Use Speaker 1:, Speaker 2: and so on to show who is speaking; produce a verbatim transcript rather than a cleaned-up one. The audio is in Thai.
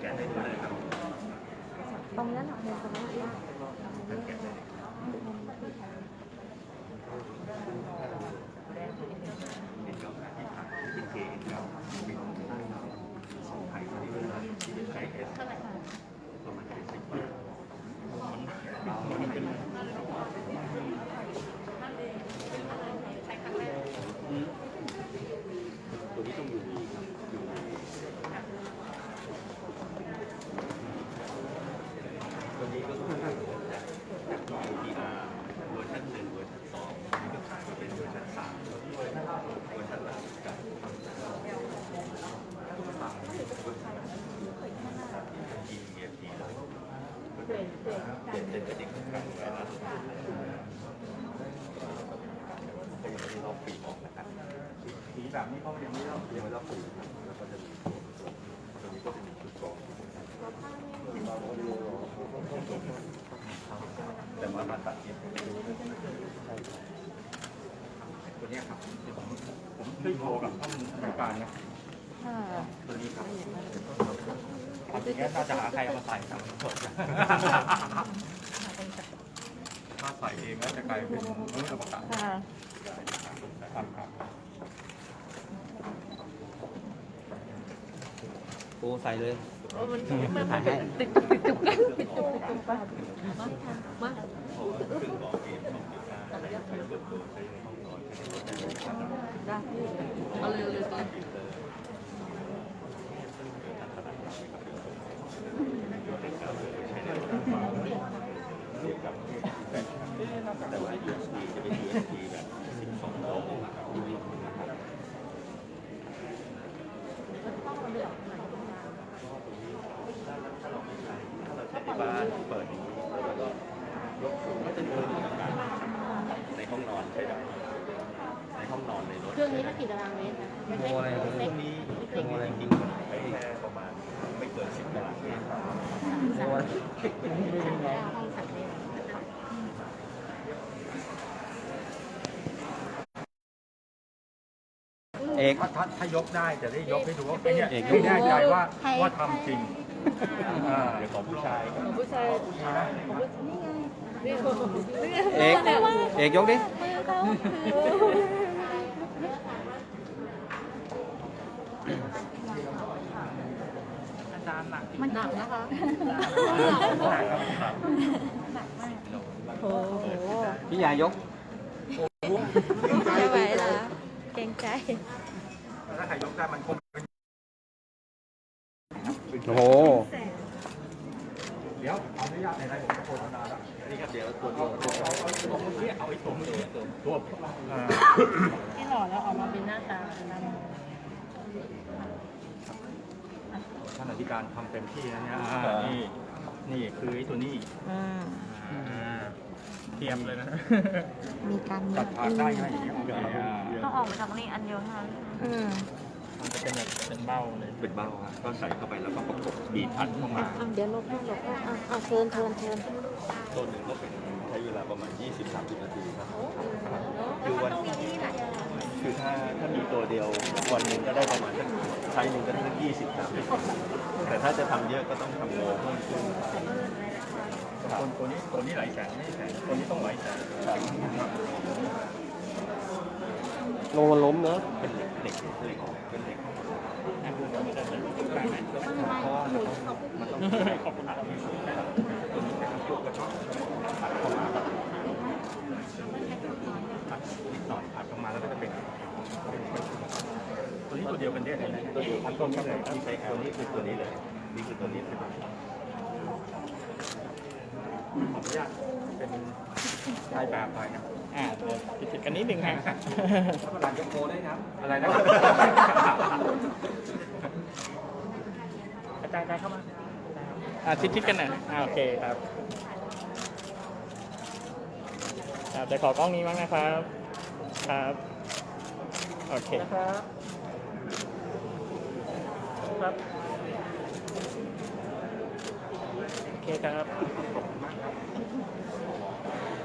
Speaker 1: ะได้ด้วยเลยครับ
Speaker 2: ตรงนั้นหรอเนี่ยตรงนั้นได้
Speaker 1: แกะได้เป็นเก้าขาที่ผ่านที่เคเอ็นเก้าเป็นสองไข่ที่เป็นที่เป็นไข่เอสประมาณเจ็ดสิบบาทมันเป็นตัวนี้ต้องอยู่ที่อยู่ตัวนี้ก็ต้องจากจาก ดี อาร์ เวอร์ชันหนึ่งเวอร์ชันสองนี่ก็ขายมาเป็นเวอร์ชันสามเวอร์ชันหลังกับ อี เอฟ ที เลยเปลี่ยนเป็นกระดิ่งกลางไว้นะก็ยังไม่ได้ลอกปีออกนะครับสีแบบนี้เขายังไม่ลอกยังไม่ลอกปีแล้วก็จะมีตัวนี้ก็จะมีชุดกรองแต่ว่ามาตัดเย็บตัวนี้ครับผมได้โทรกับท่านผู้การนะตัวนี้ครับอันนี้น่าจะหาใครเอามาใส่ครับถ้าใส่เองแล้วจะกลายเป็นมื้ออวกาศครับครับ
Speaker 3: โอ้ใส่เลย
Speaker 2: มันมันถ่ายให้ติดติดจุกติดจุกติดจุกไปมามา
Speaker 1: ซึ่งบอกเองต้องติดการใช้เบิร์ดโดนใช้ในห้องนอนใช้ในรถได้
Speaker 2: ได้เอาเลยเลยเลย
Speaker 1: แต่ว่า ยู เอส บี จะเป็น ยู เอส บี แบบสิบสองโวลต์นะครับถ้าเราไม่ใช้ถ้าเราใช้ที่บ้านเปิดอย่างนี้แล้วก็ยกสูงก็จะมีอาการในห้องนอนใช้ได้ในห้องนอนในรถ
Speaker 2: เครื่องนี้ได้กี่ตารางเมตรนะ
Speaker 3: โมอะไร
Speaker 1: เครื่องนี้เครื่องนี้จริงๆมันใช้แค่ประมาณไม่เกินสิบตารางเมตร
Speaker 2: สามห้องสามเมตร
Speaker 3: เอก
Speaker 1: ถ้าถ้ายกได้จะได้ยกให้ดูว่าเนี่ยไม่แน่ใจว่าว่าทำจริงเดี๋ยวของผู้ชาย
Speaker 2: ของผู้ชายของผู้ชายนี่ไงนี่
Speaker 3: เอกเอกยกดิ
Speaker 1: อาจารย์หนัก
Speaker 2: มันหนักนะคะ
Speaker 1: หนักครับ
Speaker 2: หนักมากโอ้โห
Speaker 3: พี่ยายก
Speaker 2: ไม่ไหวแล้วเกรงใจ
Speaker 1: ถ้าใครยกได้มันคง
Speaker 3: โอ้โห
Speaker 1: เดี๋ยวเอาอนุญาตในรายผมจะโฆษณาแล้วนี่ครับเดี๋ยวตัวตัวตัวเอาเอาตัวนี้เอาไอ้ตัวมือตัว
Speaker 2: ที่หล่อแล้วออกมาเป็นหน้าตา
Speaker 1: ท่านอธิการทำเต็มที่นะเนี่ยนี่นี่คือไอ้ตัวนี้เตรียมเลยนะ
Speaker 2: มีการ
Speaker 1: ตัดผ่านได้ไหมอย่างนี้
Speaker 2: ต้องออกมาจากนี่อันเดียวเท่านั้น
Speaker 1: มันจะเป็นแบบเป็นเบ้าเลยเป็นเบ้าครับก็ใส่เข้าไปแล้วก็ประกบบีบอัดเข้ามา
Speaker 2: เดี๋ยวลบให้ลบให้อ่าเทินเทินเทิน
Speaker 1: ต้นหนึ่งก็เป็นใช้เวลาประมาณ ยี่สิบถึงสามสิบ นาทีครับคือวันคือถ้าถ้ามีตัวเดียววันหนึ่งก็ได้ประมาณสักใช้หนึ่งก็ได้สักยี่สิบสามสิบแต่ถ้าจะทำเยอะก็ต้องทำโลเพิ่มขึ้นคนตัวนี้ตัวนี้หลายแสนไม่แสนตัวนี้ต้องหลายแสน
Speaker 3: ลงมันล้มเนอะ
Speaker 1: เป็นเหล็กเหล็กเหล็กเป็นเหล็กไม่ได้เป็นเพราะมันต้องให้ขอบคุณตัวนี้เป็นพวกกระชอกอัดเข้ามาอัดนิดหน่อยอัดเข้ามาแล้วก็จะเป็นตัวนี้ตัวเดียวกันได้เลยตัวเดียวกันต้นนี้เลยที่ใช้ตัวนี้คือตัวนี้เลยนี่คือตัวนี้เป็นขออนุญาตเป็นลายแบบไปครับ
Speaker 4: อ่าผิดกันนิดนึงฮะ
Speaker 1: หลังยกโมได้ครับอะไรนะครับ
Speaker 4: อาจารย์เข้ามาอ่าชิดชิดกันหน่อยอ่าโอเคครับครับจะขอกล้องนี้มั้งนะครับครับโอเค
Speaker 1: นะครับครับ
Speaker 4: โอเคครับ